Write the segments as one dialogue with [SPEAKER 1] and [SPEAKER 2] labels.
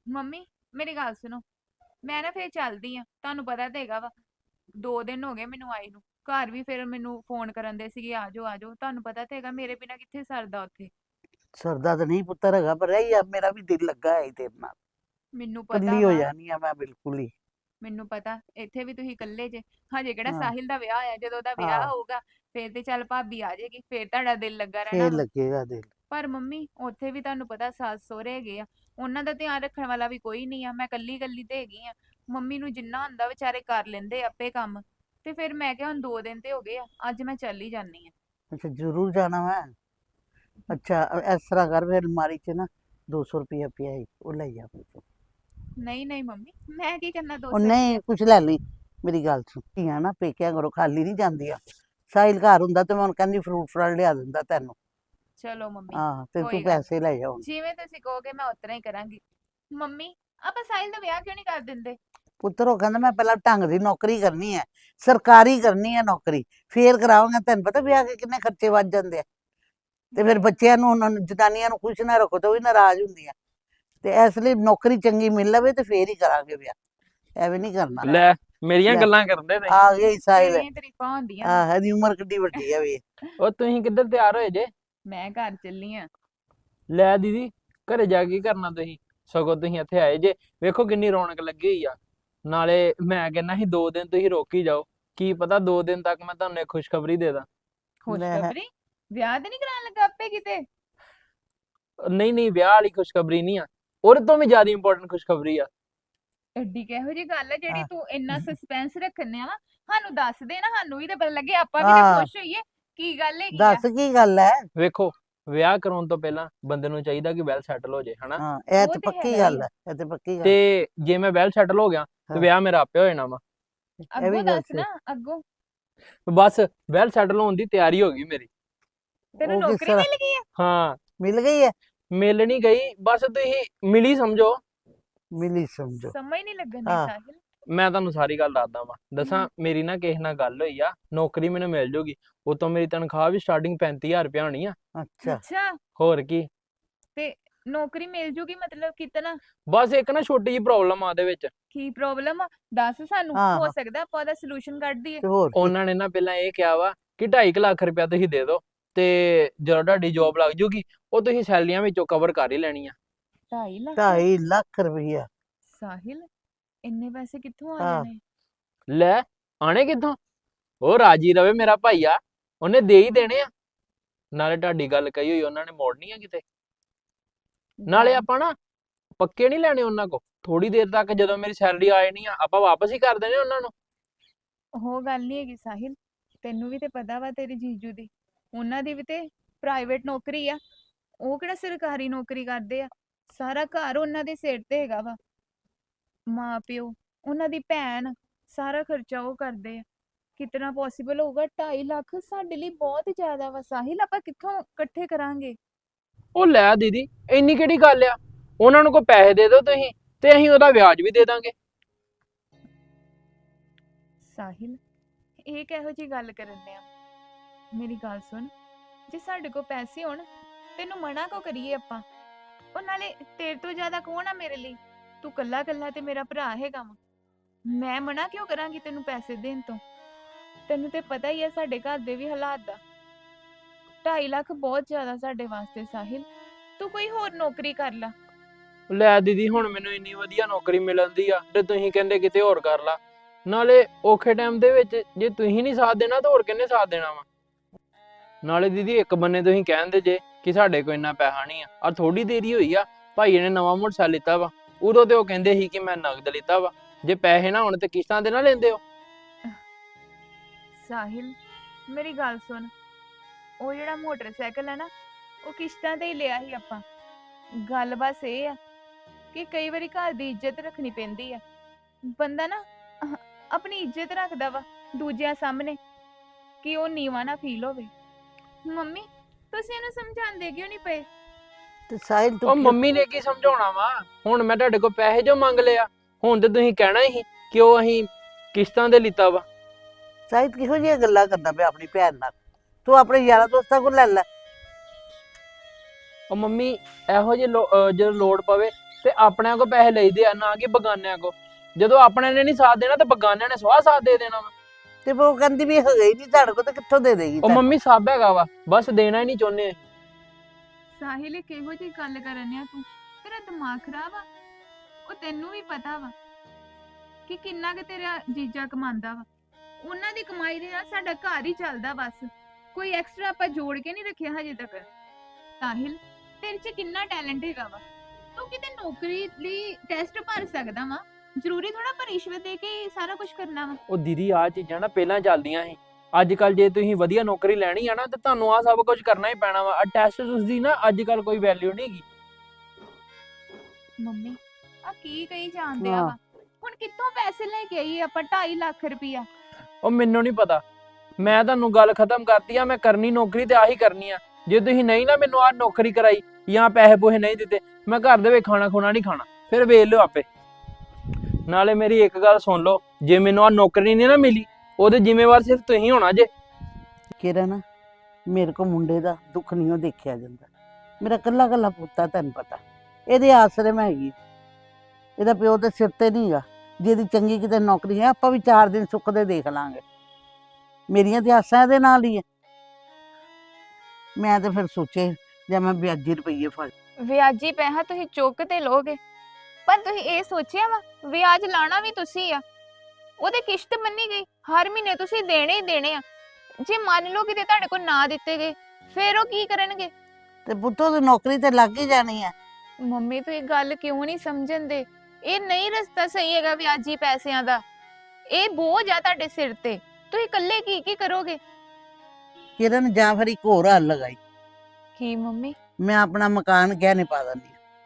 [SPEAKER 1] Mummy ਮੇਰੀ ਗੱਲ ਸੁਣੋ। ਮੈਂ ਨਾ ਫੇਰ ਚੱਲਦੀ ਆ, ਤੁਹਾਨੂੰ ਪਤਾ ਤੇ ਹੈਗਾ ਵਾ। 2 ਦਿਨ ਹੋ ਗਏ ਮੈਨੂੰ ਆਈ ਨੂੰ। ਘਰ ਵੀ ਫਿਰ ਮੈਨੂੰ ਫੋਨ ਕਰਨ ਦੇ ਸੀਗੇ, ਆ ਜਾਓ ਆ ਜਾਓ। ਤੁਹਾਨੂੰ ਪਤਾ ਤੇ ਹੈਗਾ ਮੇਰੇ ਬਿਨਾ ਕਿੱਥੇ ਸਰਦਾ ਉੱਥੇ।
[SPEAKER 2] ਸਰਦਾ ਤਾਂ ਨਹੀਂ ਪੁੱਤਰ ਹੈਗਾ, ਪਰ ਇਹ ਆ ਮੇਰਾ ਵੀ ਦਿਲ ਲੱਗਾ ਹੈ ਤੇਰੇ ਨਾਲ।
[SPEAKER 1] ਮੈਨੂੰ ਪਤਾ
[SPEAKER 2] ਕੱਲੀ ਹੋ
[SPEAKER 1] ਵਾ।
[SPEAKER 2] ਜਾਣੀ ਆ ਮੈਂ ਬਿਲਕੁਲ ਹੀ।
[SPEAKER 1] ਮੈਨੂੰ ਪਤਾ ਇੱਥੇ ਵੀ ਤੁਸੀਂ ਇਕੱਲੇ ਜੇ। ਹਜੇ ਕਿਹੜਾ
[SPEAKER 2] ਹਾਂ
[SPEAKER 1] ਸਾਹਿਲ ਦਾ ਵਿਆਹ ਹੋਇਆ, ਜਦੋਂ ਉਹਦਾ ਵਿਆਹ
[SPEAKER 2] ਹਾਂ,
[SPEAKER 1] ਹੋਊਗਾ ਫੇਰ ਤੇ ਚੱਲ ਭਾਬੀ ਆ ਜਾਏਗੀ, ਫੇਰ ਤੁਹਾਡਾ ਦਿਲ ਲੱਗਾ ਰਹਿਣਾ
[SPEAKER 2] ਫੇਰ
[SPEAKER 1] ਵਾ।
[SPEAKER 2] ਲੱਗੇਗਾ ਦਿਲ।
[SPEAKER 1] ਪਰ ਮੰਮੀ ਉੱਥੇ ਵੀ ਤੁਹਾਨੂੰ ਪਤਾ ਸੱਸ ਸਹੁਰੇ ਹੈਗੇ ਆ। ਉਹਨਾਂ ਦਾ ਧਿਆਨ ਰੱਖਣ ਵਾਲਾ ਵੀ ਕੋਈ ਨਹੀਂ ਆ, ਮੈਂ ਕੱਲੀ ਕੱਲੀ ਤੇ ਹੈਗੀ ਆ। ਮੰਮੀ ਨੂੰ ਜਿੰਨਾ ਹੁੰਦਾ ਵਿਚਾਰੇ ਕਰ ਲੈਂਦੇ ਆਪੇ ਕੰਮ। ਤੇ ਫਿਰ ਮੈਂ ਕਿਹਾ ਹੁਣ 2 ਦਿਨ ਤੇ ਹੋ ਗਏ ਆ, ਅੱਜ ਮੈਂ ਚੱਲ ਹੀ ਜਾਨੀ ਆ।
[SPEAKER 2] ਅੱਛਾ ਜ਼ਰੂਰ ਜਾਣਾ ਮੈਂ। ਅੱਛਾ ਇਸ ਤਰ੍ਹਾਂ ਕਰ, ਫਿਰ ਅਲਮਾਰੀ 'ਚ ਨਾ 200 ਰੁਪਇਆ ਪਿਆ ਈ, ਉਹ ਲੈ ਜਾ ਆਪਣੇ ਕੋਲ।
[SPEAKER 1] ਨਹੀਂ ਨਹੀਂ ਮੰਮੀ, ਮੈਂ ਕੀ ਕਰਨਾ
[SPEAKER 2] ਉਹ
[SPEAKER 1] 200
[SPEAKER 2] ਨਹੀਂ
[SPEAKER 1] ਰੁਪਇਆ।
[SPEAKER 2] ਕੁਛ ਲੈ ਲਈ। ਮੇਰੀ ਗੱਲ ਸੁਣ, ਧੀਆਂ ਨਾ ਪੇਕਿਆਂ ਘਰੋਂ ਖਾਲੀ ਨਹੀਂ ਜਾਂਦੀਆਂ। ਸਾਹਿਲ ਘਰ ਹੁੰਦਾ ਤੇ ਮੈਂ ਹੁਣ ਕਹਿੰਦੀ ਫਰੂਟ ਫਰਾਟ ਲਿਆ ਦਿੰਦਾ ਤੈਨੂੰ।
[SPEAKER 1] ਚਲੋ ਮੰਮੀ,
[SPEAKER 2] ਹਾਂ ਤੇ ਤੂੰ
[SPEAKER 1] ਕੋਈ ਗੱਲ ਨੀ।
[SPEAKER 2] ਪੈਸੇ ਲੈ ਜਾ ਹੁਣ।
[SPEAKER 1] ਜਿਵੇਂ ਤੁਸੀਂ ਕਹੋਗੇ ਮੈਂ ਉਤਰਾ ਹੀ ਕਰਾਂਗੀ। ਮੰਮੀ, ਆਪਾਂ ਸਾਹਿਲ ਦਾ ਵਿਆਹ ਕਿਉਂ ਨਹੀਂ ਕਰ ਦਿੰਦੇ?
[SPEAKER 2] ਪੁੱਤਰ ਉਹ ਕਹਿੰਦਾ ਮੈਂ ਪਹਿਲਾਂ ਢੰਗ ਦੀ ਨੌਕਰੀ ਕਰਨੀ ਹੈ, ਸਰਕਾਰੀ ਕਰਨੀ ਹੈ ਨੌਕਰੀ, ਫੇਰ ਕਰਾਵਾਂਗਾ। ਤੈਨੂੰ ਪਤਾ ਵਿਆਹ ਕੇ ਕਿੰਨੇ ਖਰਚੇ ਵੱਧ ਜਾਂਦੇ ਆ। ਤੇ ਫਿਰ
[SPEAKER 1] ਨਹੀਂ
[SPEAKER 2] ਬੱਚਿਆਂ ਨੂੰ ਉਹਨਾਂ ਨੂੰ ਜਨਾਨੀਆਂ ਨੂੰ ਖੁਸ਼ ਨਾ ਰੱਖੋ ਤੇ ਉਹ ਵੀ ਨਾਰਾਜ਼ ਹੁੰਦੀਆਂ। ਤੇ ਇਸ ਲਈ ਨੌਕਰੀ ਚੰਗੀ ਮਿਲ ਲਵੇ ਤੇ ਫੇਰ ਹੀ ਕਰਾਂਗੇ ਵਿਆਹ, ਐਵੇਂ ਨਹੀਂ ਕਰਨਾ।
[SPEAKER 3] ਲੈ ਮੇਰੀਆਂ
[SPEAKER 2] ਲੈ
[SPEAKER 3] ਗੱਲਾਂ ਕਰਦੇ ਤੁਸੀਂ।
[SPEAKER 2] ਆ ਗਿਆ ਈ ਸਾਹਿਲ।
[SPEAKER 1] ਕਿਹੜੀਆਂ ਤਾਰੀਫਾਂ ਹੁੰਦੀਆਂ ਵਾ।
[SPEAKER 2] ਆਹ ਇਹਦੀ ਉਮਰ ਕਿੱਡੀ ਵੱਡੀ ਹੈ ਵੇ।
[SPEAKER 3] ਉਹ ਤੁਸੀਂ ਕਿੱਧਰ ਤਿਆਰ ਹੋਏ ਜੇ?
[SPEAKER 1] ਮੈਂ ਘਰ ਚੱਲੀ ਆ।
[SPEAKER 3] ਲੈ ਦੀਦੀ, ਘਰੇ ਜਾ ਕੇ ਕੀ ਕਰਨਾ ਤੁਸੀਂ? ਸਗੋਂ ਤੁਸੀਂ ਇੱਥੇ ਆਏ ਜੇ, ਵੇਖੋ ਕਿੰਨੀ ਰੌਣਕ ਲੱਗੀ ਹੋਈ ਆ। ਨਾਲੇ ਮੈਂ ਕਹਿੰਦਾ ਸੀ 2 ਦਿਨ ਤੁਸੀਂ ਰੁਕ ਹੀ ਜਾਓ, ਕੀ ਪਤਾ 2 ਦਿਨ ਤੱਕ ਮੈਂ ਤੁਹਾਨੂੰ ਇੱਕ ਖੁਸ਼ਖਬਰੀ ਦੇ ਦਾਂ।
[SPEAKER 2] ਲੈ
[SPEAKER 1] ਖੁਸ਼ਖਬਰੀ? ਵਿਆਹ ਤੇ ਨਹੀਂ ਕਰਾਉਣ ਲੱਗਾ ਆਪੇ ਕਿਤੇ?
[SPEAKER 3] ਨਹੀਂ ਨਹੀਂ, ਵਿਆਹ ਵਾਲੀ ਖੁਸ਼ਖਬਰੀ ਨਹੀਂ ਆ, ਉਹਦੇ ਤੋਂ ਵੀ ਜ਼ਿਆਦਾ ਇੰਪੋਰਟੈਂਟ ਖੁਸ਼ਖਬਰੀ ਆ।
[SPEAKER 1] ਐਡੀ ਕਿਹੋ ਜੀ ਗੱਲ ਹੈ ਜਿਹੜੀ
[SPEAKER 2] ਹਾਂ
[SPEAKER 1] ਤੂੰ ਇੰਨਾ ਸਸਪੈਂਸ ਰੱਖਨੇ ਆ? ਸਾਨੂੰ ਦੱਸ ਦੇ ਨਾ, ਸਾਨੂੰ ਵੀ ਤੇ ਪਤਾ ਲੱਗੇ, ਆਪਾਂ ਵੀ ਤੇ
[SPEAKER 2] ਹਾਂ,
[SPEAKER 1] ਖੁਸ਼ ਹੋਈਏ। ਕੀ ਗੱਲ ਹੈਗੀ ਆ?
[SPEAKER 2] ਦੱਸ ਕੀ ਗੱਲ ਹੈ।
[SPEAKER 3] ਵੇਖੋ, ਵਿਆਹ ਕਰਾਉਣ ਤੋਂ ਪਹਿਲਾਂ ਬੰਦੇ ਨੂੰ ਚਾਹੀਦਾ ਕਿ ਵੈਲ ਸੈਟਲ ਹੋ ਜੇ, ਹਨਾ?
[SPEAKER 2] ਹਾਂ ਇਹ
[SPEAKER 1] ਉਹ
[SPEAKER 2] ਤੇ
[SPEAKER 1] ਤੇ
[SPEAKER 2] ਪੱਕੀ
[SPEAKER 1] ਹੈਗਾ ਹੀ
[SPEAKER 2] ਗੱਲ
[SPEAKER 1] ਆ।
[SPEAKER 2] ਹੈ, ਇਹ ਤੇ ਪੱਕੀ ਗੱਲ।
[SPEAKER 3] ਤੇ ਜੇ ਮੈਂ ਵੈਲ ਸੈਟਲ ਹੋ ਗਿਆ ਤੇ
[SPEAKER 2] ਹਾਂ
[SPEAKER 3] ਵਿਆਹ ਮੇਰਾ ਆਪੇ ਹੋ ਜਾਣਾ ਵਾ।
[SPEAKER 2] ਇਹ
[SPEAKER 1] ਅੱਗੋਂ
[SPEAKER 2] ਵੀ ਗੱਲ
[SPEAKER 1] ਦੱਸ
[SPEAKER 2] ਸੀ।
[SPEAKER 1] ਨਾ, ਅੱਗੋਂ।
[SPEAKER 3] ਬਸ ਵੈਲ ਸੈਟਲ ਹੋਣ ਦੀ ਤਿਆਰੀ ਹੋ ਗਈ ਮੇਰੀ।
[SPEAKER 1] ਤੈਨੂੰ
[SPEAKER 2] ਉਹ ਕਿਸ
[SPEAKER 1] ਨੌਕਰੀ
[SPEAKER 2] ਤਰ੍ਹਾਂ
[SPEAKER 1] ਮਿਲ ਗਈ ਆ?
[SPEAKER 3] ਹਾਂ,
[SPEAKER 2] ਮਿਲ ਗਈ ਹੈ?
[SPEAKER 3] ਮਿਲ ਨਹੀਂ ਗਈ, ਬਸ ਤੁਸੀਂ ਮਿਲੀ ਸਮਝੋ।
[SPEAKER 2] ਮਿਲੀ ਸਮਝੋ।
[SPEAKER 1] ਸਮਝ ਨਹੀਂ ਲੱਗਣ ਦੀ
[SPEAKER 2] ਹਾਂ
[SPEAKER 1] ਸਾਹਿਲ।
[SPEAKER 3] ਮੈਂ ਤੁਹਾਨੂੰ ਸਾਰੀ ਗੱਲ ਦੱਸਦਾ ਵਾਂ। ਦੱਸਾਂ,
[SPEAKER 1] ਹਮ,
[SPEAKER 3] ਮੇਰੀ ਨਾ ਕਿਸੇ ਨਾਲ ਗੱਲ ਹੋਈ ਆ, ਨੌਕਰੀ ਮੈਨੂੰ ਮਿਲ ਜੂਗੀ। ਉਤੋਂ ਮੇਰੀ ਤਨਖਾਹ ਵੀ ਸਟਾਰਟਿੰਗ 35,000 ਰੁਪਇਆ ਹੋਣੀ ਆ।
[SPEAKER 2] ਅੱਛਾ
[SPEAKER 1] ਅੱਛਾ।
[SPEAKER 3] ਹੋਰ ਕੀ।
[SPEAKER 1] ਤੇ ਨੌਕਰੀ ਮਿਲ ਜੂਗੀ ਮਤਲਬ ਕਿਤਨਾ?
[SPEAKER 3] ਬਸ ਇੱਕ ਨਾ ਛੋਟੀ ਜਿਹੀ ਪ੍ਰੋਬਲਮ ਆ ਉਹਦੇ ਵਿੱਚ।
[SPEAKER 1] ਕੀ ਪ੍ਰੋਬਲਮ ਆ? ਦੱਸ ਸਾਨੂੰ,
[SPEAKER 2] ਹਾਂ
[SPEAKER 1] ਹੋ
[SPEAKER 2] ਹਾਂ
[SPEAKER 1] ਸਕਦਾ ਆਪਾਂ ਉਹਦਾ ਸੋਲੂਸ਼ਨ ਕੱਢ ਦਈਏ।
[SPEAKER 2] ਤੇ ਹੋਰ ਕੀ।
[SPEAKER 3] ਉਹਨਾਂ ਨੇ ਨਾ ਪਹਿਲਾਂ ਇਹ ਕਿਹਾ ਵਾ ਕਿ 2.5 ਲੱਖ ਰੁਪਇਆ ਤੁਸੀਂ ਦੇ ਦਿਓ, ਤੇ ਜਦੋਂ ਤੁਹਾਡੀ ਜੋਬ ਲੱਗ ਜੂਗੀ ਉਹ ਤੁਸੀਂ ਸੈਲਰੀਆਂ ਵਿੱਚੋਂ ਕਵਰ ਕਰ ਹੀ ਲੈਣੀ ਆ।
[SPEAKER 1] 2.5 ਲੱਖ?
[SPEAKER 2] 2.5 ਲੱਖ ਰੁਪਈਆ?
[SPEAKER 1] ਸਾਹਿਲ, ਇੰਨੇ ਪੈਸੇ ਕਿੱਥੋਂ ਆ
[SPEAKER 2] ਹਾਂ
[SPEAKER 1] ਜਾਣੇ?
[SPEAKER 3] ਲੈ, ਆਣੇ ਕਿੱਥੋਂ? ਉਹ ਰਾਜੀ ਰਵੇ, ਮੇਰਾ ਭਾਈ ਆ, ਉਹਨੇ ਦੇ ਹੀ ਦੇਣੇ ਆ। ਨਾਲੇ ਤੁਹਾਡੀ ਗੱਲ ਕਹੀ ਹੋਈ ਉਹਨਾਂ ਨੇ ਮੋੜਨੀ ਆ ਕਿਤੇ। ਨਾਲੇ
[SPEAKER 1] ਗੱਲ
[SPEAKER 3] ਆਪਾਂ ਨਾ ਪੱਕੇ ਨਹੀਂ ਲੈਣੇ ਉਹਨਾਂ ਕੋ। ਥੋੜੀ ਦੇਰ ਤੱਕ ਜਦੋਂ ਮੇਰੀ ਸੈਲਰੀ ਆ ਜਾਣੀ ਆ, ਆਪਾਂ ਵਾਪਸ ਹੀ ਕਰ ਦੇਣੇ ਉਹਨਾਂ ਨੂੰ।
[SPEAKER 1] ਉਹ ਗੱਲ ਨਹੀਂ ਹੈਗੀ ਸਾਹਿਲ। ਤੈਨੂੰ ਵੀ ਤੇ ਪਤਾ ਵਾ ਤੇਰੀ ਜੀਜੂ ਦੀ, ਉਹਨਾਂ ਦੀ ਵੀ ਤੇ ਪ੍ਰਾਈਵੇਟ ਨੌਕਰੀ ਆ। ਉਹ ਕਿਹੜਾ ਸਰਕਾਰੀ ਨੌਕਰੀ ਕਰਦੇ ਆ? ਸਾਰਾ ਘਰ ਉਹਨਾਂ ਦੇ ਸਿਰ ਤੇ ਹੈਗਾ ਵਾ। ਮਾਂ ਪਿਓ, ਉਹਨਾਂ ਦੀ ਭੈਣ, ਸਾਰਾ ਖਰਚਾ ਉਹ ਕਰਦੇ ਆ। ਕਿਤਨਾ ਪੋਸੀਬਲ ਹੋਊਗਾ? 2.5 ਲੱਖ ਸਾਡੇ ਲਈ ਬਹੁਤ ਜ਼ਿਆਦਾ ਵਾ ਸਾਹਿਲ, ਆਪਾਂ ਕਿੱਥੋਂ ਇਕੱਠੇ ਕਰਾਂਗੇ?
[SPEAKER 3] ਉਹ ਲੈ ਦੀਦੀ, ਇੰਨੀ ਕਿਹੜੀ ਗੱਲ ਆ? ਉਹਨਾਂ ਨੂੰ ਕੋਈ ਪੈਸੇ ਦੇ ਦਿਓ ਤੁਸੀਂ, ਤੇ ਅਸੀਂ ਉਹਦਾ ਵਿਆਜ ਵੀ ਦੇ ਦਾਂਗੇ।
[SPEAKER 1] ਸਾਹਿਲ, ਇਹ ਕਿਹੋ ਜੀ ਗੱਲ ਕਰਨੇ ਆ? ਮੇਰੀ ਗੱਲ ਸੁਣ, ਜੇ ਸਾਡੇ ਕੋਲ ਪੈਸੇ ਹੋਣ ਤੈਨੂੰ ਮਨਾ ਕਿਉਂ ਕਰੀਏ ਆਪਾਂ? ਉਹ ਨਾਲੇ ਤੇਰੇ ਤੋਂ ਜ਼ਿਆਦਾ ਕੌਣ ਆ ਮੇਰੇ ਲਈ? ਤੂੰ ਕੱਲਾ ਕੱਲਾ ਤੇ ਮੇਰਾ ਭਰਾ ਹੈਗਾ ਵਾ। ਮੈਂ ਮਨਾ ਕਿਉਂ ਕਰਾਂਗੀ ਤੈਨੂੰ ਪੈਸੇ ਦੇਣ ਤੋਂ? ਤੈਨੂੰ ਤੇ ਪਤਾ ਹੀ ਹੈ ਸਾਡੇ ਘਰ ਦੇ ਵੀ ਹਾਲਾਤ ਦਾ। 2.5 ਲੱਖ ਬਹੁਤ ਜ਼ਿਆਦਾ ਸਾਡੇ ਵਾਸਤੇ ਸਾਹਿਲ। ਤੂੰ ਕੋਈ ਹੋਰ ਨੌਕਰੀ ਕਰ ਲਾ।
[SPEAKER 3] ਲੈ ਦੀਦੀ, ਹੁਣ ਮੈਨੂੰ ਇੰਨੀ ਵਧੀਆ ਨੌਕਰੀ ਮਿਲਣ ਦੀ ਆ ਤੇ ਤੁਸੀਂ ਕਹਿੰਦੇ ਕਿਤੇ ਹੋਰ ਕਰ ਲਾ। ਨਾਲੇ ਔਖੇ ਟਾਈਮ ਦੇ ਵਿੱਚ ਜੇ ਤੁਸੀਂ ਨਹੀਂ ਸਾਥ ਦੇਣਾ ਤਾਂ ਹੋਰ ਕਿਹਨੇ ਸਾਥ ਦੇਣਾ ਵਾ? ਨਾਲੇ ਦੀਦੀ, ਇੱਕ ਬੰਨੇ ਤੁਸੀਂ ਕਹਿੰਦੇ ਜੇ ਕਿ ਸਾਡੇ ਕੋਲ ਇੰਨਾ ਪੈਸਾ ਨਹੀਂ ਆ, ਆ ਥੋੜੀ ਦੇਰੀ ਹੋਈ ਆ ਭਾਈ ਨੇ ਨਵਾਂ ਮੋਟਰਸਾਈਕਲ ਲਿੱਤਾ ਵਾ। ਉਦੋਂ ਤੇ ਉਹ ਕਹਿੰਦੇ ਸੀ ਕਿ ਮੈਂ ਨਗਦ ਲਿੱਤਾ ਵਾ। ਜੇ ਪੈਸੇ ਨਾ ਹੋਣ ਤੇ ਕਿਸ਼ਤਾਂ ਤੇ ਨਾ ਲੈਂਦੇ ਹੋ।
[SPEAKER 1] ਸਾਹਿਲ, ਮੇਰੀ ਗੱਲ ਸੁਣ। ਉਹ ਜਿਹੜਾ ਮੋਟਰਸਾਈਕਲ ਹੈ ਨਾ, ਉਹ ਕਿਸ਼ਤਾਂ ਤੇ ਹੀ ਲਿਆ ਸੀ ਆਪਾਂ। ਗੱਲ ਬਸ ਇਹ ਆ ਕਿ ਕਈ ਵਾਰੀ ਘਰ ਦੀ ਇੱਜ਼ਤ ਰੱਖਣੀ ਪੈਂਦੀ ਆ। ਬੰਦਾ ਨਾ ਆਪਣੀ ਇੱਜ਼ਤ ਰੱਖਦਾ ਵਾ ਦੂਜਿਆਂ ਸਾਹਮਣੇ, ਕਿ ਉਹ ਨੀਵਾਂ ਨਾ ਫੀਲ ਹੋਵੇ। ਮੰਮੀ, ਤੁਸੀਂ ਇਹਨੂੰ ਸਮਝਾਉਂਦੇ ਕਿਉਂ ਨਹੀਂ ਪਏ?
[SPEAKER 2] ਤੇ ਸਾਹਿਲ ਤੂੰ
[SPEAKER 3] ਉਹ
[SPEAKER 2] ਕਿਉਂ?
[SPEAKER 3] ਮੰਮੀ ਨੇ ਕੀ ਸਮਝਾਉਣਾ ਵਾ? ਹੁਣ ਮੈਂ ਤੁਹਾਡੇ ਕੋਲ ਪੈਸੇ ਜੋ ਮੰਗ ਲਿਆ, ਹੁਣ ਤੇ ਤੁਸੀਂ ਕਹਿਣਾ ਹੀ ਕਿ ਉਹ ਅਸੀਂ ਕਿਸ਼ਤਾਂ ਦੇ ਲਿੱਤਾ ਵਾ।
[SPEAKER 2] ਸਾਹਿਲ ਕਿਹੋ ਜਿਹੀਆਂ ਗੱਲਾਂ ਕਰਦਾ ਪਿਆ ਆਪਣੀ ਭੈਣ ਨਾਲ? ਤੂੰ ਆਪਣੇ ਯਾਰਾਂ ਦੋਸਤਾਂ ਕੋਲ ਲੈ ਲੈ।
[SPEAKER 3] ਉਹ ਮੰਮੀ ਇਹੋ ਜਿਹੇ ਜਦੋਂ ਲੋੜ ਪਵੇ ਤੇ ਆਪਣਿਆਂ ਕੋ ਪੈਸੇ ਲਈਦੇ ਆ, ਨਾ ਕਿ ਬਗਾਨਿਆਂ ਕੋ। ਜਦੋਂ ਆਪਣਿਆਂ ਨੇ ਨਹੀਂ ਸਾਥ ਦੇਣਾ ਤੇ ਬਗਾਨਿਆਂ ਨੇ ਸਵਾਹ ਸਾਥ ਦੇ ਦੇਣਾ ਵਾ।
[SPEAKER 2] ਤੇ ਉਹ ਕਹਿੰਦੀ ਵੀ ਹੈਗਾ ਹੀ ਨਹੀਂ ਸਾਡੇ ਕੋਲ, ਤੇ ਕਿੱਥੋਂ ਦੇ ਦੇਗੀ
[SPEAKER 3] ਉਹ ਮੰਮੀ ਸਭ ਹੈਗਾ ਵਾ, ਬਸ ਦੇਣਾ ਹੀ ਨਹੀਂ ਚਾਹੁੰਦੇ।
[SPEAKER 1] ਸਾਹਿਲ ਇਹ ਕਿਹੋ ਜਿਹੀ ਗੱਲ ਕਰਨ ਆ ਤੂੰ? ਤੇਰਾ ਦਿਮਾਗ ਖਰਾਬ ਆ? ਉਹ ਤੈਨੂੰ ਵੀ ਪਤਾ ਵਾ ਕਿ ਕਿੰਨਾ ਕਿ ਤੇਰਾ ਜੀਜਾ ਕਮਾਉਂਦਾ ਵਾ। ਉਹਨਾਂ ਦੀ ਕਮਾਈ ਦੇ ਨਾਲ ਸਾਡਾ ਘਰ ਹੀ ਚੱਲਦਾ ਬਸ। ਕੋਈ ਐਕਸਟਰਾ ਆਪਾਂ ਜੋੜ ਕੇ ਨਹੀਂ ਰੱਖਿਆ ਹਜੇ ਤੱਕ। ਸਾਹਿਲ ਤੇਰੇ 'ਚ ਕਿੰਨਾ ਟੈਲੈਂਟ ਹੈਗਾ ਵਾ, ਤੂੰ ਕਿਤੇ ਨੌਕਰੀ ਲਈ ਟੈਸਟ ਭਰ ਸਕਦਾ ਵਾ। ਜ਼ਰੂਰੀ ਥੋੜਾ ਪਰ ਰਿਸ਼ਵਤ ਦੇ ਕੇ ਹੀ ਸਾਰਾ ਕੁਝ ਕਰਨਾ ਵਾ।
[SPEAKER 3] ਉਹ ਦੀਦੀ ਆਹ ਚੀਜ਼ਾਂ ਨਾ ਪਹਿਲਾਂ ਚੱਲਦੀਆਂ ਸੀ। ਅੱਜ ਕੱਲ ਜੇ ਤੁਸੀਂ ਵਧੀਆ ਨੌਕਰੀ ਲੈਣੀ ਆ ਨਾ ਤੇ ਤੁਹਾਨੂੰ ਆਹ ਸਭ ਕੁਝ ਕਰਨਾ ਹੀ ਪੈਣਾ ਵਾ। ਟੈਸਟ ਦੀ ਨਾ ਅੱਜ ਕੱਲ ਕੋਈ ਵੈਲਿਊ ਨਹੀਂ ਹੈਗੀ।
[SPEAKER 1] ਮੰਮੀ ਆ ਕੀ ਕਹੀ ਜਾਂਦੇ ਆ
[SPEAKER 2] ਹਾਂ।
[SPEAKER 1] ਵਾ? ਹੁਣ ਕਿੱਥੋਂ ਪੈਸੇ ਲੈ ਕੇ ਆਈਏ ਆਪਾਂ 2.5 ਲੱਖ ਰੁਪਈਆ?
[SPEAKER 3] ਉਹ ਮੈਨੂੰ ਨਹੀਂ ਪਤਾ, ਮੈਂ ਤੁਹਾਨੂੰ ਗੱਲ ਖਤਮ ਕਰਤੀ ਆ। ਮੈਂ ਕਰਨੀ ਨੌਕਰੀ ਤੇ ਆਹੀ ਕਰਨੀ ਆ। ਜੇ ਤੁਸੀਂ ਨਹੀਂ ਨਾ ਮੈਨੂੰ ਆਹ ਨੌਕਰੀ ਕਰਾਈ ਜਾਂ ਪੈਸੇ ਪੂਸੇ ਨਹੀਂ ਦਿੱਤੇ, ਮੈਂ ਘਰ ਦੇ ਵਿੱਚ ਖਾਣਾ ਖੁਣਾ ਨਹੀਂ ਖਾਣਾ। ਫਿਰ ਵੇਖ ਲਿਓ ਆਪੇ। ਨਾਲੇ ਮੇਰੀ ਇੱਕ ਗੱਲ ਸੁਣ ਲਓ, ਜੇ ਮੈਨੂੰ ਆਹ ਨੌਕਰੀ ਨਹੀਂ ਨਾ ਮਿਲੀ ਉਹਦੇ ਜ਼ਿੰਮੇਵਾਰ ਸਿਰਫ ਤੁਸੀਂ ਹੋਣਾ ਜੇ।
[SPEAKER 2] ਕਿਰਨ, ਮੇਰੇ ਕੋ ਮੁੰਡੇ ਦਾ ਦੁੱਖ ਨਹੀਂ ਉਹ ਦੇਖਿਆ ਜਾਂਦਾ। ਮੇਰਾ ਕੱਲਾ ਕੱਲਾ ਪੁੱਤਾ, ਤੈਨੂੰ ਪਤਾ ਇਹਦੇ ਆਸਰੇ ਮੈਂ ਹੈਗੀ। ਇਹਦਾ ਪਿਓ ਤੇ ਸਿਰ ਤੇ ਨਹੀਂ ਗਾ। ਜਿਹਦੀ ਚੰਗੀ ਕਿਤੇ ਨੌਕਰੀ ਹੈ ਆਪਾਂ ਵੀ 4 ਦਿਨ ਸੁੱਖ ਦੇ ਦੇਖ ਲਾਂਗੇ। ਮੇਰੀਆਂ ਤੇ ਆਸਾਂ ਇਹਦੇ ਨਾਲ ਹੀ ਹੈ। ਮੈਂ ਤੇ ਫਿਰ ਸੋਚੇ ਜੇ ਮੈਂ ਵਿਆਜੀ ਰੁਪਈਏ ਫੜ।
[SPEAKER 1] ਵਿਆਜੀ ਪੈਸਾ ਤੁਸੀਂ ਚੁੱਕ ਤੇ ਲੋਗੇ, ਪਰ ਤੁਸੀਂ ਇਹ ਸੋਚਿਆ ਵਾ ਵਿਆਜ ਲਾਣਾ ਵੀ ਤੁਸੀਂ ਆ। ਉਹਦੇ ਕਿਸ਼ਤ ਮੰਨੀ ਗਈ, ਹਰ ਮਹੀਨੇ ਤੁਸੀਂ ਦੇਣੇ ਹੀ ਦੇਣੇ ਆ। ਜੇ ਮੰਨ ਲਓ ਕਿਤੇ ਤੁਹਾਡੇ ਕੋਲ ਨਾ ਦਿੱਤੇ ਗਏ ਫਿਰ ਉਹ ਕੀ ਕਰਨਗੇ?
[SPEAKER 2] ਤੇ ਪੁੱਤੋ ਦੀ ਨੌਕਰੀ ਤੇ ਲੱਗ ਹੀ ਜਾਣੀ ਹੈ।
[SPEAKER 1] ਮੰਮੀ ਤੁਸੀਂ ਗੱਲ ਕਿਉਂ ਨਹੀਂ ਸਮਝਣਦੇ? ਇਹ ਨਹੀਂ ਰਸਤਾ ਸਹੀ ਹੈਗਾ ਵਿਆਜੀ ਪੈਸਿਆਂ ਦਾ। ਇਹ ਬੋਝ ਆ ਤੁਹਾਡੇ ਸਿਰ ਤੇ। ਤੁਸੀਂ ਇਕੱਲੇ ਕੀ ਕਰੋਗੇ?
[SPEAKER 2] ਕਿਰਨ, ਜਾਂ ਫਿਰ ਇੱਕ ਹੋਰ ਹੱਲ ਲਗਾਈ।
[SPEAKER 1] ਕੀ ਮੰਮੀ?
[SPEAKER 2] ਮੈਂ ਆਪਣਾ ਮਕਾਨ ਗਹਿਣੇ ਪਾ ਦਿੰਦੀ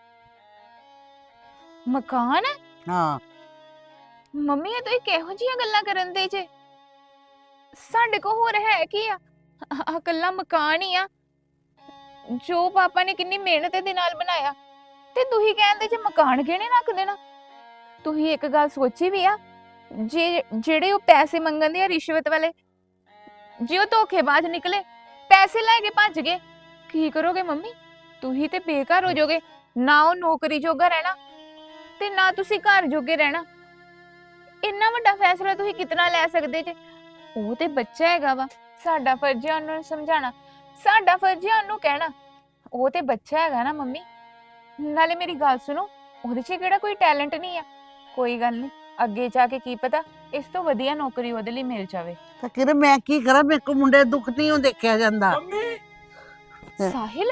[SPEAKER 1] ਮਕਾਨ?
[SPEAKER 2] ਹਾਂ।
[SPEAKER 1] ਮੰਮੀ ਇਹ ਤੁਸੀਂ ਕਿਹੋ ਜਿਹੀਆਂ ਗੱਲਾਂ ਕਰਨ ਦੇ ਜੇ? ਸਾਡੇ ਕੋਲ ਹੋਰ ਹੈ ਕੀ ਆ? ਇਕੱਲਾ ਮਕਾਨ ਹੀ ਆ ਜੋ ਪਾਪਾ ਨੇ ਕਿੰਨੀ ਮਿਹਨਤ ਦੇ ਨਾਲ ਬਣਾਇਆ, ਤੇ ਤੁਸੀਂ ਕਹਿੰਦੇ ਜੇ ਮਕਾਨ ਗਹਿਣੇ ਰੱਖ ਦੇਣਾ। ਤੁਸੀਂ ਇੱਕ ਗੱਲ ਸੋਚੀ ਵੀ ਆ, ਜੇ ਜਿਹੜੇ ਉਹ ਪੈਸੇ ਮੰਗਦੇ ਆ ਰਿਸ਼ਵਤ ਵਾਲੇ, ਜੇ ਉਹ ਧੋਖੇਬਾਜ਼ ਨਿਕਲੇ, ਪੈਸੇ ਲੈ ਕੇ ਭੱਜ ਗਏ, ਕੀ ਕਰੋਗੇ ਮੰਮੀ? ਤੁਸੀਂ ਤੇ ਬੇਘਰ ਹੋ ਜਾਓਗੇ। ਨਾ ਉਹ ਨੌਕਰੀ ਜੋਗਾ ਰਹਿਣਾ ਤੇ ਨਾ ਤੁਸੀਂ ਘਰ ਜੋਗੇ ਰਹਿਣਾ। ਇੰਨਾ ਵੱਡਾ ਫੈਸਲਾ ਤੁਸੀਂ ਕਿਤਨਾ ਲੈ ਸਕਦੇ ਜੇ? ਉਹ ਤੇ ਬੱਚਾ ਹੈਗਾ ਵਾ, ਸਾਡਾ ਫਰਜ਼ ਹੈ ਉਹਨੂੰ ਸਮਝਾਉਣਾ, ਸਾਡਾ ਫਰਜ਼ ਹੈ ਉਹਨੂੰ ਕਹਿਣਾ। ਉਹ ਤੇ ਬੱਚਾ ਹੈਗਾ ਨਾ ਮੰਮੀ। ਨਾਲੇ ਮੇਰੀ ਗੱਲ ਸੁਣੋ, ਉਹਦੇ 'ਚ ਕਿਹੜਾ ਕੋਈ ਟੈਲੈਂਟ ਨਹੀਂ ਆ। ਕੋਈ ਗੱਲ ਨਹੀਂ, ਅੱਗੇ ਜਾ ਕੇ ਕੀ ਪਤਾ ਇਸ ਤੋਂ ਵਧੀਆ ਨੌਕਰੀ ਉਹਦੇ ਲਈ ਮਿਲ ਜਾਵੇ।
[SPEAKER 2] ਤਾਂ ਕਿਰਨ ਮੈਂ ਕੀ ਕਰਾਂ? ਮੇਰੇ ਕੋ ਮੁੰਡੇ ਦਾ ਦੁੱਖ ਨਹੀਂ ਉਹ ਦੇਖਿਆ ਜਾਂਦਾ। ਹਾਂ।
[SPEAKER 1] ਸਾਹਿਲ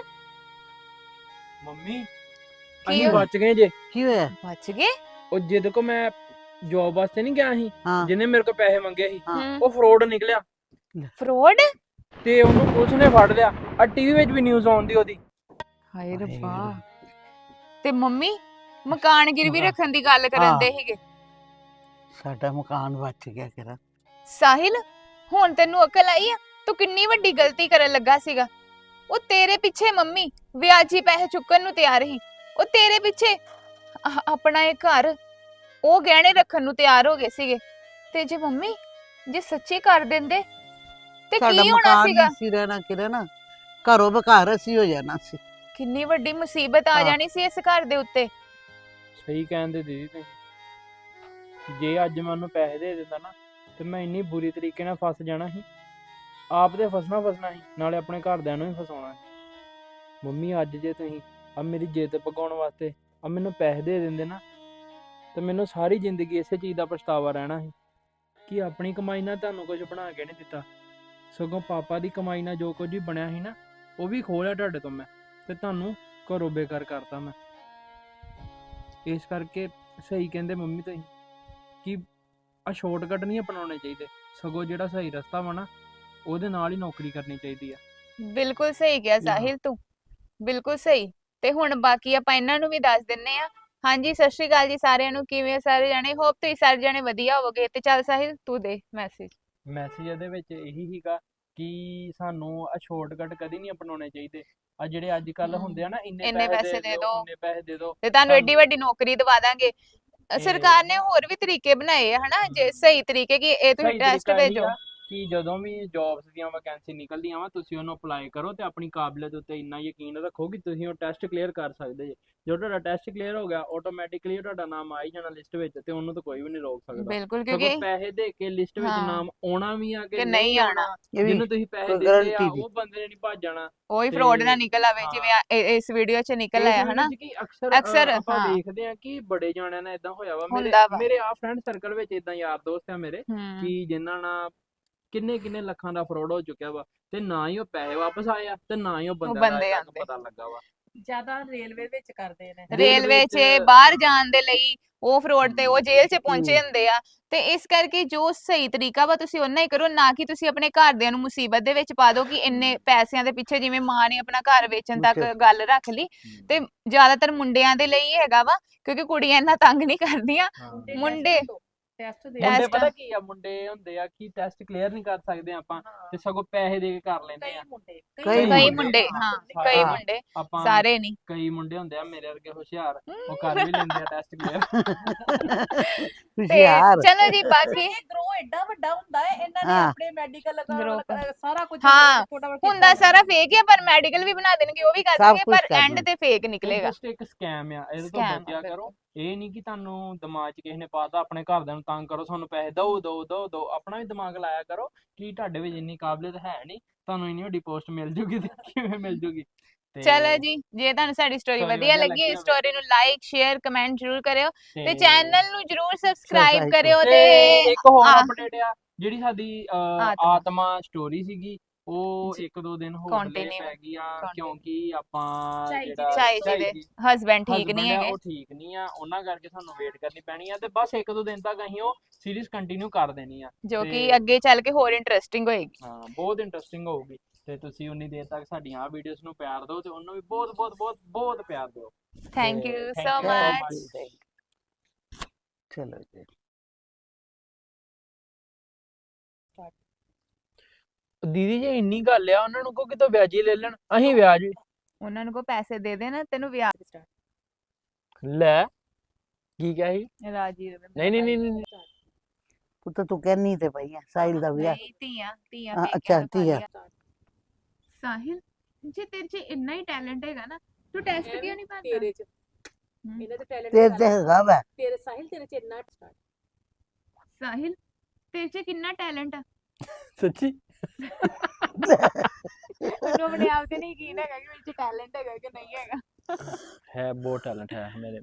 [SPEAKER 3] ਮੰਮੀ
[SPEAKER 1] ਕੀ
[SPEAKER 3] ਅਸੀਂ
[SPEAKER 1] ਹੋਇਆ?
[SPEAKER 3] ਬਚ ਗਏ ਜੇ।
[SPEAKER 2] ਕੀ ਹੋਇਆ?
[SPEAKER 1] ਬਚ ਗਏ?
[SPEAKER 3] ਉਹ ਜਿਹਦੇ ਕੋ ਮੈਂ ਜੌਬ ਵਾਸਤੇ ਨਹੀਂ ਗਿਆ ਸੀ,
[SPEAKER 2] ਹਾਂ।
[SPEAKER 3] ਜਿਹਨੇ ਮੇਰੇ ਕੋ ਪੈਸੇ ਮੰਗੇ ਸੀ,
[SPEAKER 2] ਹਾਂ।
[SPEAKER 3] ਉਹ ਫਰੋਡ ਨਿਕਲਿਆ
[SPEAKER 1] ਫਰੋਡ?
[SPEAKER 3] ਤੇ ਉਹਨੂੰ ਪੁਲਿਸ ਨੇ ਫੜ ਲਿਆ। ਆ ਟੀਵੀ ਵਿੱਚ ਵੀ ਨਿਊਜ਼ ਆਉਂਦੀ ਉਹਦੀ।
[SPEAKER 1] ਹਾਏ ਰੱਬਾ। ਤੇ ਮੰਮੀ ਮਕਾਨ ਗਿਰਵੀ ਰੱਖਣ ਦੀ ਗੱਲ ਕਰਨ ਦੇ ਸੀਗੇ।
[SPEAKER 2] ਸਾਡਾ ਮਕਾਨ ਬਚ ਗਿਆ ਕਿਰਨ।
[SPEAKER 1] ਸਾਹਿਲ ਹੁਣ ਤੈਨੂੰ ਅਕਲ ਆਈ ਆ? ਤੂੰ ਕਿੰਨੀ ਵੱਡੀ ਗਲਤੀ ਕਰਨ ਲੱਗਾ ਸੀਗਾ। ਉਹ ਤੇਰੇ ਪਿੱਛੇ ਮੰਮੀ ਵਿਆਜੀ ਪੈਸੇ ਚੁੱਕਣ ਨੂੰ ਤਿਆਰ ਸੀ। ਉਹ ਤੇਰੇ ਪਿੱਛੇ ਆਪਣਾ ਇਹ ਘਰ ਉਹ ਗਹਿਣੇ ਰੱਖਣ ਨੂੰ ਤਿਆਰ ਹੋ ਗਏ ਸੀਗੇ। ਤੇ ਜੇ ਮੰਮੀ ਜੇ ਸੱਚੀ ਕਰ ਦਿੰਦੇ ਤੇ
[SPEAKER 2] ਸਾਡਾ
[SPEAKER 1] ਕੀ ਹੋਣਾ
[SPEAKER 2] ਮਕਾਨ
[SPEAKER 1] ਸੀਗਾ?
[SPEAKER 2] ਨਹੀਂ ਸੀ ਰਹਿਣਾ ਕਿਰਨ, ਘਰੋਂ ਬੇਘਰ ਅਸੀਂ ਹੋ ਜਾਣਾ ਸੀ।
[SPEAKER 1] ਕਿੰਨੀ ਵੱਡੀ ਮੁਸੀਬਤ ਆ
[SPEAKER 2] ਹਾਂ।
[SPEAKER 1] ਜਾਣੀ ਸੀ ਇਸ ਘਰ ਦੇ ਉੱਤੇ।
[SPEAKER 3] ਸਹੀ ਕਹਿੰਦੇ ਦੀਦੀ ਤੁਸੀਂ। ਜੇ ਅੱਜ ਮੈਂ ਉਹਨੂੰ ਪੈਸੇ ਦੇ ਦਿੰਦਾ ਨਾ ਤੇ ਮੈਂ ਇੰਨੀ ਬੁਰੀ ਤਰੀਕੇ ਨਾਲ ਫਸ ਜਾਣਾ ਸੀ। ਆਪ ਤੇ ਫਸਣਾ ਸੀ, ਨਾਲੇ ਆਪਣੇ ਘਰਦਿਆਂ ਨੂੰ ਵੀ ਫਸਾਉਣਾ ਸੀ। ਮੰਮੀ ਅੱਜ ਜੇ ਤੁਸੀਂ ਆ ਮੇਰੀ ਜਿੱਦ ਪਕਾਉਣ ਵਾਸਤੇ ਆ ਮੈਨੂੰ ਪੈਸੇ ਦੇ ਦਿੰਦੇ ਨਾ, ਤੇ ਮੈਨੂੰ ਸਾਰੀ ਜ਼ਿੰਦਗੀ ਇਸੇ ਚੀਜ਼ ਦਾ ਪਛਤਾਵਾ ਰਹਿਣਾ ਸੀ ਕਿ ਆਪਣੀ ਕਮਾਈ ਨਾਲ ਤੁਹਾਨੂੰ ਕੁਝ ਬਣਾ ਕੇ ਨਹੀਂ ਦਿੱਤਾ। ਸਗੋਂ ਪਾਪਾ ਦੀ ਕਮਾਈ ਨਾਲ ਜੋ ਕੁਝ ਵੀ ਬਣਿਆ ਸੀ ਨਾ, ਉਹ ਵੀ ਖੋਹ ਲਿਆ ਤੁਹਾਡੇ ਤੋਂ ਮੈਂ, ਤੇ ਤੁਹਾਨੂੰ ਘਰੋਂ ਬੇਕਾਰ ਕਰਤਾ ਮੈਂ। ਇਸ ਕਰਕੇ ਸਹੀ ਕਹਿੰਦੇ ਮੰਮੀ ਤੁਸੀਂ ਕਿ ਆ ਸ਼ਾਰਟਕਟ ਨਹੀਂ ਅਪਣਾਉਣੇ ਚਾਹੀਦੇ, ਸਗੋਂ ਜਿਹੜਾ ਸਹੀ ਰਸਤਾ ਵਾ ਨਾ ਉਹਦੇ ਨਾਲ ਹੀ ਨੌਕਰੀ ਕਰਨੀ ਚਾਹੀਦੀ ਆ।
[SPEAKER 1] ਬਿਲਕੁਲ ਸਹੀ ਕਿਹਾ ਸਾਹਿਲ ਤੂੰ, ਬਿਲਕੁਲ ਸਹੀ। ਤੇ ਹੁਣ ਬਾਕੀ ਆਪਾਂ ਇਹਨਾਂ ਨੂੰ ਵੀ ਦੱਸ ਦਿੰਨੇ ਆ। ਹਾਂਜੀ ਸਤਿ ਸ਼੍ਰੀ ਅਕਾਲ ਜੀ ਸਾਰਿਆਂ ਨੂੰ, ਕਿਵੇਂ ਸਾਰੇ ਜਾਣੇ? ਹੋਪ ਤੁਸੀਂ ਸਾਰੇ ਜਾਣੇ ਵਧੀਆ ਹੋਵੋਗੇ। ਤੇ ਚੱਲ ਸਾਹਿਲ ਤੂੰ ਦੇ
[SPEAKER 3] ਮੈਸੇਜ ਇਹਦੇ ਵਿੱਚ ਇਹੀ ਸੀਗਾ ਕਿ ਸਾਨੂੰ ਆ ਸ਼ਾਰਟਕਟ ਕਦੀ ਨਹੀਂ ਅਪਣਾਉਣੇ ਚਾਹੀਦੇ। ਆ ਜਿਹੜੇ ਅੱਜ ਕੱਲ ਹੁੰਦੇ ਆ ਨਾ,
[SPEAKER 1] ਇੰਨੇ ਪੈਸੇ ਦੇ ਦਿਓ,
[SPEAKER 3] ਇੰਨੇ ਪੈਸੇ ਦੇ ਦਿਓ,
[SPEAKER 1] ਤੇ ਤੁਹਾਨੂੰ ਐਡੀ ਵੱਡੀ ਨੌਕਰੀ ਦਵਾ ਦਾਂਗੇ। ਸਰਕਾਰ ਨੇ ਹੋਰ ਵੀ ਤਰੀਕੇ ਬਣਾਏ ਆ ਹਨਾ, ਜੇ ਸਹੀ ਤਰੀਕੇ ਕਿ ਇਹ ਤੁਸੀਂ
[SPEAKER 3] ਸਹੀ
[SPEAKER 1] ਟੈਸਟ
[SPEAKER 3] ਤਰੀਕਾ ਇਹੀ
[SPEAKER 1] ਭੇਜੋ।
[SPEAKER 3] ਆ ਕਿ ਜਦੋਂ ਵੀ ਜੌਬਸ ਦੀਆਂ ਵੈਕੈਂਸੀ ਨਿਕਲਦੀਆਂ ਵਾ ਤੁਸੀਂ ਉਹਨੂੰ ਅਪਲਾਈ ਕਰੋ ਤੇ ਆਪਣੀ ਕਾਬਲੀਅਤ ਉੱਤੇ ਇੰਨਾ ਯਕੀਨ ਰੱਖੋ ਕਿ ਤੁਸੀਂ ਉਹ ਟੈਸਟ ਕਲੀਅਰ ਕਰ ਸਕਦੇ ਜੇ। ਜਦੋਂ ਤੁਹਾਡਾ ਟੈਸਟ ਕਲੀਅਰ ਹੋ ਗਿਆ ਆਟੋਮੈਟਿਕਲੀ ਤੁਹਾਡਾ ਨਾਮ ਆ ਹੀ ਜਾਣਾ ਲਿਸਟ ਵਿੱਚ ਤੇ ਉਹਨੂੰ ਤਾਂ ਕੋਈ ਵੀ ਨਹੀਂ ਰੋਕ ਸਕਦਾ।
[SPEAKER 1] ਬਿਲਕੁਲ
[SPEAKER 3] ਸਗੋਂ
[SPEAKER 1] ਕਿਉਂਕਿ
[SPEAKER 3] ਪੈਸੇ ਦੇ ਕੇ ਲਿਸਟ ਵਿੱਚ
[SPEAKER 1] ਹਾਂ
[SPEAKER 3] ਨਾਮ ਆਉਣਾ ਵੀ ਆ
[SPEAKER 1] ਕਿ
[SPEAKER 3] ਕਿ
[SPEAKER 1] ਨਹੀਂ
[SPEAKER 3] ਨਹੀਂ
[SPEAKER 1] ਆਉਣਾ।
[SPEAKER 3] ਆਉਣਾ,
[SPEAKER 2] ਇਹ ਵੀ
[SPEAKER 3] ਜਿਹਨੂੰ ਤੁਸੀਂ ਪੈਸੇ
[SPEAKER 2] ਕੋਈ
[SPEAKER 3] ਦਿੱਤੇ ਆ
[SPEAKER 2] ਗਾਰੰਟੀ ਨਹੀਂ।
[SPEAKER 3] ਉਹ ਬੰਦੇ ਨੇ ਨਹੀਂ ਭੱਜ ਜਾਣਾ।
[SPEAKER 1] ਉਹੀ ਫਰਾਡ ਨਾ
[SPEAKER 3] ਤੇ
[SPEAKER 1] ਨਿਕਲ ਆਵੇ ਜਿਵੇਂ
[SPEAKER 3] ਹਾਂ
[SPEAKER 1] ਇਸ ਵੀਡੀਓ 'ਚ ਨਿਕਲ
[SPEAKER 3] ਇਸ
[SPEAKER 1] ਆਇਆ ਹਨਾ।
[SPEAKER 3] ਵੀਡੀਓ 'ਚ ਕੀ ਅਕਸਰ
[SPEAKER 1] ਅਕਸਰ
[SPEAKER 3] ਆਪਾਂ
[SPEAKER 1] ਹਾਂ
[SPEAKER 3] ਵੇਖਦੇ ਆ ਕਿ ਬੜੇ ਜਾਣਿਆਂ ਨਾਲ ਇਦਾਂ ਹੋਇਆ ਵਾ। ਮੇਰੇ
[SPEAKER 1] ਹੁੰਦਾ ਵਾ।
[SPEAKER 3] ਮੇਰੇ ਆ ਫਰੈਂਡ ਸਰਕਲ ਵਿੱਚ ਇਦਾਂ ਯਾਰ ਦੋਸਤ ਆ ਮੇਰੇ
[SPEAKER 1] ਹੂੰ
[SPEAKER 3] ਕਿ ਜਿਨ੍ਹਾਂ ਨਾਲ ਕਿੰਨੇ ਕਿੰਨੇ ਲੱਖਾਂ ਦਾ ਫਰਾਡ ਹੋ ਚੁੱਕਿਆ ਵਾ ਤੇ ਨਾ ਹੀ ਉਹ ਪੈਸੇ ਵਾਪਸ ਆਏ ਆ ਤੇ ਨਾ ਹੀ ਉਹ ਬੰਦਿਆਂ ਦਾ
[SPEAKER 1] ਬੰਦੇ
[SPEAKER 3] ਅਜੇ ਤੱਕ
[SPEAKER 1] ਆਂਦੇ
[SPEAKER 3] ਪਤਾ ਲੱਗਾ ਵਾ।
[SPEAKER 4] ਜ਼ਿਆਦਾ ਰੇਲਵੇ ਵਿੱਚ ਕਰਦੇ ਨੇ।
[SPEAKER 1] ਰੇਲਵੇ 'ਚ
[SPEAKER 3] ਚ
[SPEAKER 1] ਬਾਹਰ ਜਾਣ ਦੇ ਲਈ ਉਹ ਫਰਾਡ ਤੇ ਉਹ ਜੇਲ੍ਹ 'ਚ ਪਹੁੰਚੇ
[SPEAKER 2] ਹੂੰ।
[SPEAKER 1] ਹੁੰਦੇ ਆ ਤੇ ਇਸ ਕਰਕੇ ਜੋ ਸਹੀ ਤਰੀਕਾ ਵਾ ਤੁਸੀਂ ਉਹਨਾਂ ਹੀ ਕਰੋ, ਨਾ ਕਿ ਤੁਸੀਂ ਆਪਣੇ ਘਰਦਿਆਂ ਨੂੰ ਮੁਸੀਬਤ ਦੇ ਵਿੱਚ ਪਾ ਦਿਓ ਕਿ ਇੰਨੇ ਪੈਸਿਆਂ ਦੇ ਪਿੱਛੇ ਜਿਵੇਂ ਮਾਂ ਨੇ ਆਪਣਾ ਘਰ ਵੇਚਣ ਤੱਕ
[SPEAKER 2] ਬੱਚੇ
[SPEAKER 1] ਗੱਲ ਰੱਖ ਲਈ। ਤੇ ਜ਼ਿਆਦਾਤਰ ਮੁੰਡਿਆਂ ਦੇ ਲਈ ਹੈਗਾ ਵਾ ਕਿਉਂਕਿ ਕੁੜੀਆਂ ਇੰਨਾ ਤੰਗ ਨਹੀਂ ਕਰਦੀਆਂ।
[SPEAKER 3] ਹਾਂ।
[SPEAKER 1] ਮੁੰਡੇ
[SPEAKER 4] ਟੈਸਟ ਦੇ
[SPEAKER 3] ਮੁੰਡੇ
[SPEAKER 1] ਟੈਸਟ
[SPEAKER 3] ਪਤਾ ਕੀ ਆ, ਮੁੰਡੇ ਹੁੰਦੇ ਆ ਕਿ ਟੈਸਟ ਕਲੀਅਰ ਨਹੀਂ ਕਰ ਸਕਦੇ ਆਪਾਂ ਤੇ ਸਗੋਂ ਪੈਸੇ ਦੇ ਕੇ ਕਰ ਲੈਂਦੇ
[SPEAKER 4] ਕਈ
[SPEAKER 3] ਆ।
[SPEAKER 4] ਮੁੰਡੇ
[SPEAKER 2] ਕਈ
[SPEAKER 1] ਕਈ
[SPEAKER 2] ਮੁੰਡੇ,
[SPEAKER 1] ਮੁੰਡੇ ਹਾਂ
[SPEAKER 3] ਹਾਂ,
[SPEAKER 1] ਕਈ
[SPEAKER 2] ਹਾਂ।
[SPEAKER 1] ਮੁੰਡੇ
[SPEAKER 3] ਆਪਾਂ
[SPEAKER 1] ਸਾਰੇ ਨਹੀਂ।
[SPEAKER 3] ਕਈ ਮੁੰਡੇ ਹੁੰਦੇ ਆ ਮੇਰੇ ਵਰਗੇ ਹੁਸ਼ਿਆਰ, ਉਹ ਕਰ ਵੀ ਲੈਂਦੇ ਆ ਟੈਸਟ ਕਲੀਅਰ।
[SPEAKER 1] ਤੇ
[SPEAKER 2] ਹੁਸ਼ਿਆਰ।
[SPEAKER 1] ਚਲੋ ਜੀ ਬਾਕੀ
[SPEAKER 4] ਇਹ ਗਰੋ ਐਡਾ ਵੱਡਾ ਹੁੰਦਾ ਹੈ, ਇਹਨਾਂ ਨੇ
[SPEAKER 2] ਹਾਂ।
[SPEAKER 4] ਆਪਣੇ ਮੈਡੀਕਲ
[SPEAKER 1] Group।
[SPEAKER 4] ਸਾਰਾ ਕੁਝ
[SPEAKER 1] ਹਾਂ,
[SPEAKER 4] ਛੋਟਾ
[SPEAKER 1] ਹੁੰਦਾ ਸਾਰਾ ਫੇਕ ਹੀ ਆ, ਪਰ ਮੈਡੀਕਲ ਵੀ ਬਣਾ ਦੇਣਗੇ, ਉਹ ਵੀ ਕਰ
[SPEAKER 2] ਸਭ
[SPEAKER 1] ਦੇਣਗੇ,
[SPEAKER 2] ਕੁਛ
[SPEAKER 1] ਪਰ
[SPEAKER 2] ਕਰ
[SPEAKER 1] ਐਂਡ ਤੇ ਫੇਕ ਨਿਕਲੇਗਾ।
[SPEAKER 3] ਜਸਟ ਇੱਕ ਸਕੈਮ ਆ, ਇਹਦੇ ਤੋਂ
[SPEAKER 1] Scam ਆ,
[SPEAKER 3] ਬਚਿਆ ਕਰੋ।
[SPEAKER 1] ਬਿਲਕੁਲ।
[SPEAKER 3] ਇਹ ਨਹੀਂ ਕਿ ਤੁਹਾਨੂੰ ਦਿਮਾਗ 'ਚ ਕਿਸੇ ਨੇ ਪਾਤਾ ਆਪਣੇ ਘਰਦਿਆਂ ਨੂੰ ਤੰਗ ਕਰੋ, ਤੁਹਾਨੂੰ ਪੈਸੇ ਦਿਓ ਦਿਓ ਦਿਓ ਦਿਓ। ਆਪਣਾ ਵੀ ਦਿਮਾਗ ਲਾਇਆ ਕਰੋ ਕਿ ਤੁਹਾਡੇ ਵਿੱਚ ਇੰਨੀ ਕਾਬਲੀਅਤ ਹੈ ਨਹੀਂ, ਤੁਹਾਨੂੰ ਇੰਨੀ ਵੱਡੀ ਪੋਸਟ ਮਿਲ ਜੂਗੀ ਤੇ ਕਿਵੇਂ ਮਿਲ ਜੂਗੀ। ਤੇ
[SPEAKER 1] ਚਲੋ ਜੀ, ਜੇ ਤੁਹਾਨੂੰ ਸਾਡੀ ਸਟੋਰੀ
[SPEAKER 3] story
[SPEAKER 1] ਵਧੀਆ
[SPEAKER 3] ਵਧੀਆ
[SPEAKER 1] ਲੱਗੀ
[SPEAKER 3] ਲੱਗੀ
[SPEAKER 1] ਇਸ
[SPEAKER 3] ਹੋਵੇ
[SPEAKER 1] ਸਟੋਰੀ ਨੂੰ ਲਾਈਕ ਸ਼ੇਅਰ ਕਮੈਂਟ ਜ਼ਰੂਰ ਕਰਿਓ ਤੇ
[SPEAKER 3] ਤੇ
[SPEAKER 1] ਚੈਨਲ ਨੂੰ ਜ਼ਰੂਰ ਸਬਸਕ੍ਰਾਈਬ
[SPEAKER 2] Subscribe
[SPEAKER 1] ਕਰਿਓ
[SPEAKER 3] ਤੇ
[SPEAKER 1] ਤੇ
[SPEAKER 3] ਇੱਕ ਹੋਰ
[SPEAKER 1] ਆ-
[SPEAKER 3] ਅਪਡੇਟ ਆ, ਜਿਹੜੀ ਸਾਡੀ
[SPEAKER 1] ਆਤਮਾ।
[SPEAKER 3] ਆਤਮਾ ਸਟੋਰੀ ਸੀਗੀ ਉਹ
[SPEAKER 1] ਜੀ,
[SPEAKER 3] ਇੱਕ ਦੋ ਦਿਨ ਹੋਰ delay
[SPEAKER 1] continue,
[SPEAKER 3] ਪੈ ਗਈ ਆ
[SPEAKER 1] continue।
[SPEAKER 3] ਕਿਉਂਕਿ ਆਪਾਂ
[SPEAKER 4] ਝਾਈ ਜੀ
[SPEAKER 3] ਜਿਹੜਾ
[SPEAKER 4] ਦੇ-
[SPEAKER 1] ਝਾਈ ਜੀ ਦੇ ਹਸਬੈਂਡ ਠੀਕ
[SPEAKER 3] husband
[SPEAKER 1] ਨਹੀਂ
[SPEAKER 3] ਆ
[SPEAKER 1] ਹੈਗੇ,
[SPEAKER 3] ਉਹ ਠੀਕ ਨਹੀਂ ਆ, ਉਹਨਾਂ ਕਰਕੇ ਸਾਨੂੰ ਵੇਟ ਕਰਨੀ ਪੈਣੀ ਆ ਤੇ ਬਸ ਇੱਕ ਦੋ ਦਿਨ ਤੱਕ ਅਸੀਂ ਉਹ ਸੀਰੀਜ਼ ਕੰਟੀਨਿਊ ਕਰ ਦੇਣੀ ਆ।
[SPEAKER 1] ਜੋ ਕਿ
[SPEAKER 3] ਤੇ
[SPEAKER 1] ਅੱਗੇ ਚੱਲ ਕੇ ਹੋਰ ਇੰਟਰਸਟਿੰਗ ਹੋਏਗੀ।
[SPEAKER 3] ਹਾਂ, ਬਹੁਤ ਇੰਟਰਸਟਿੰਗ ਹੋਊਗੀ ਤੇ ਤੁਸੀਂ ਉਨੀ ਦੇਰ ਤੱਕ ਸਾਡੀਆਂ ਆ ਵੀਡੀਓਜ਼ ਨੂੰ ਪਿਆਰ ਦਿਓ ਤੇ ਉਹਨੂੰ ਵੀ ਬਹੁਤ ਬਹੁਤ ਬਹੁਤ ਬਹੁਤ ਪਿਆਰ ਦਿਓ।
[SPEAKER 1] ਥੈਂਕ
[SPEAKER 3] ਤੇ
[SPEAKER 1] you
[SPEAKER 3] thank
[SPEAKER 1] so
[SPEAKER 3] you so
[SPEAKER 1] much.
[SPEAKER 3] much.
[SPEAKER 2] ਚਲੋ ਜੀ।
[SPEAKER 3] ਦੀਦੀ ਜੇ ਇੰਨੀ ਗੱਲ ਆ ਉਹਨਾਂ ਨੂੰ ਕੋ ਕਿਤੋਂ ਵਿਆਜੀ ਲੈ ਲੈਣ, ਅਸੀਂ ਵਿਆਜ ਵੀ
[SPEAKER 1] ਉਹਨਾਂ ਨੂੰ ਕੋ ਪੈਸੇ ਦੇ ਦੇਣਾ, ਤੈਨੂੰ ਵਿਆਜ
[SPEAKER 3] ਲੈ। ਕੀ ਕਿਹਾ ਸੀ?
[SPEAKER 1] ਰਾਜੀ ਰਵੇ।
[SPEAKER 3] ਨਹੀਂ ਨਹੀਂ ਨਹੀਂ ਨਹੀਂ
[SPEAKER 2] ਪੁੱਤ ਤੂੰ ਕਹਿਨੀ ਤੇ ਪਈ ਆ ਸਾਹਿਲ ਦਾ ਵਿਆਹ।
[SPEAKER 1] ਨਹੀਂ, ਧੀਆਂ ਧੀਆਂ
[SPEAKER 2] ਹਾਂ,
[SPEAKER 1] ਪੇਕਿਆਂ
[SPEAKER 2] ਅੱਛਾ,
[SPEAKER 1] ਤੋਂ
[SPEAKER 2] ਧੀਆਂ।
[SPEAKER 1] ਖਾਲੀਆਂ। ਸਾਹਿਲ, ਜੇ ਤੇਰੇ 'ਚ ਇੰਨਾ ਹੀ ਟੈਲੈਂਟ ਹੈਗਾ ਨਾ, ਤੂੰ ਟੈਸਟ ਕਿਉਂ ਨਹੀਂ ਭਰਦਾ?
[SPEAKER 4] ਤੇਰੇ ਚ
[SPEAKER 1] ਹਮ।
[SPEAKER 4] ਇਹਨਾਂ ਦੇ ਟੈਲੈਂਟ
[SPEAKER 2] ਤੇਰੇ ਤੇ ਹੈਗਾ ਵਾ।
[SPEAKER 4] ਤੇਰੇ ਸਾਹਿਲ ਤੇਰੇ ਚ ਇੰਨਾ
[SPEAKER 1] ਸਾਹਿਲ, ਤੇਰੇ 'ਚ ਕਿੰਨਾ ਟੈਲੈਂਟ ਆ?
[SPEAKER 3] ਸੱਚੀ
[SPEAKER 1] ਉਹਨੂੰ ਆਪਣੇ ਆਪ ਤੇ ਨਹੀਂ ਯਕੀਨ ਹੈਗਾ ਕਿ ਮੇਰੇ 'ਚ ਟੈਲੈਂਟ ਹੈਗਾ ਕਿ ਨਹੀਂ ਹੈਗਾ।
[SPEAKER 3] ਹੈ, ਬਹੁਤ ਟੈਲੈਂਟ ਹੈ ਮੇਰੇ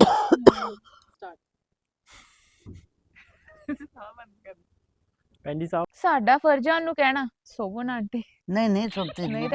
[SPEAKER 3] ਭੈਣ ਜੀ ਸਾਹਿਬ।
[SPEAKER 1] ਸਾਡਾ ਫਰਜ਼ ਆ ਉਹਨੂੰ ਕਹਿਣਾ ਸੋਵਨ ਆਂਟੀ।
[SPEAKER 2] ਨਹੀਂ ਨਹੀਂ ਸੁਣਤੀ
[SPEAKER 1] ਨਹੀਂ
[SPEAKER 2] ਨਹੀਂ।